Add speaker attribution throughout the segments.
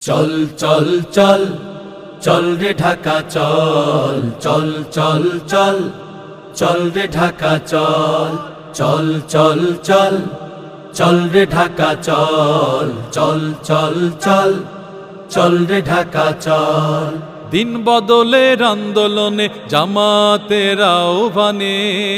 Speaker 1: চল চল চল চল রে ঢাকা চল চল চল চল চল রে ঢাকা চল চল চল চল চল রে ঢাকা চল চল চল চল চল রে ঢাকা চল।
Speaker 2: দিন বদলের আন্দোলনে জামাতের আহ্বানে,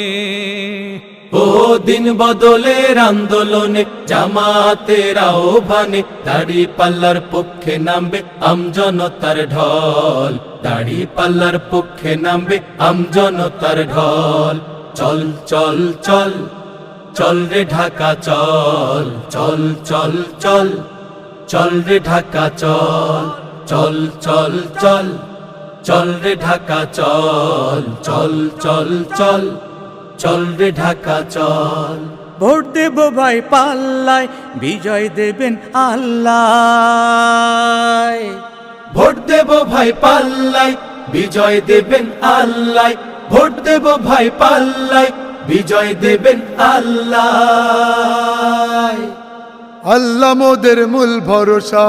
Speaker 1: ও দিন বদলের আন্দোলনে জামাতের আহ্বানে, দাড়ি পাল্লার পক্ষে নামবে আমজনতার ঢল, দাড়ি পাল্লার পক্ষে নামবে আমজনতার ঢল। চল চল চল চল রে ঢাকা চল চল চল চল চল রে ঢাকা চল চল চল চল চল রে ঢাকা চল চল চল চল চল রে ঢাকা চল।
Speaker 3: ভোট দেব ভাই পাল্লায়, বিজয় দেবেন আল্লাহ।
Speaker 1: ভোট দেব ভাই পাল্লায়, বিজয় দেবেন আল্লাহ। ভোট দেব ভাই পাল্লায়, বিজয় দেবেন আল্লাহ।
Speaker 4: আল্লাহ মোদের মূল ভরসা,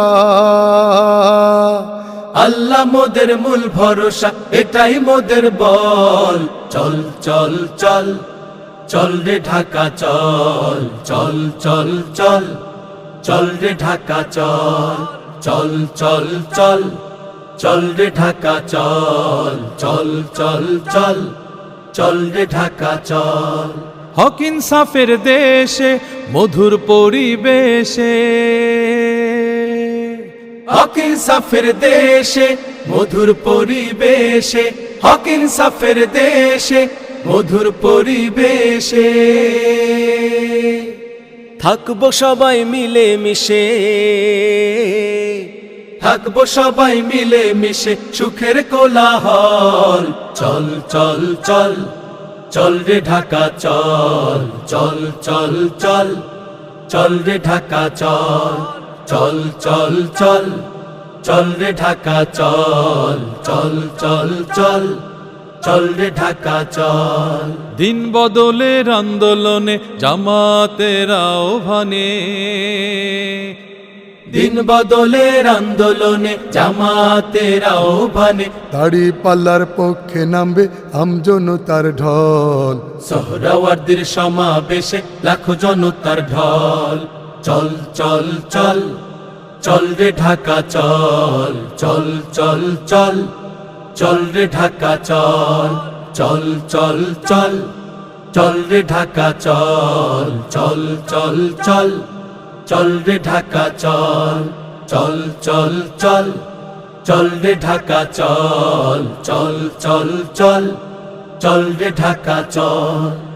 Speaker 1: আল্লাহ মোদের মূল ভরসা, এটাই মোদের বল। চল চল চল চল রে ঢাকা চল চল চল চল চল রে ঢাকা চল চল চল চল চল রে ঢাকা চল চল চল চল চল রে ঢাকা চল।
Speaker 2: হক ইনসাফের দেশে মধুর পরিবেশে,
Speaker 1: হক ইনসাফের দেশে মধুর পরিবেশে, হক ইনসাফের দেশে মধুর পরিবেশে,
Speaker 3: থাকবো সবাই মিলে মিশে,
Speaker 1: থাকবো সবাই মিলে মিশে সুখের কোলাহল। চল চল চল চল রে ঢাকা চল চল চল চল চল রে ঢাকা চল চল চল চল চল রে ঢাকা চল চল চল চল চল রে ঢাকা চল।
Speaker 2: দিন বদলের আন্দোলনে জামাতের আহ্বানে,
Speaker 1: দিন বদলের আন্দোলনে জামাতের আহ্বানে,
Speaker 4: দাড়ি পাল্লার পক্ষে নামবে আমজনতার ঢল।
Speaker 1: সোহরাওয়ার্দীর সমাবেশে লাখো জনতার ঢল। চল চল চল চল রে ঢাকা চল চল চল চল চল রে ঢাকা চল চল চল চল চল রে ঢাকা চল চল চল চল চল রে ঢাকা চল চল চল চল চল রে ঢাকা চল চল চল চল চল রে ঢাকা চল।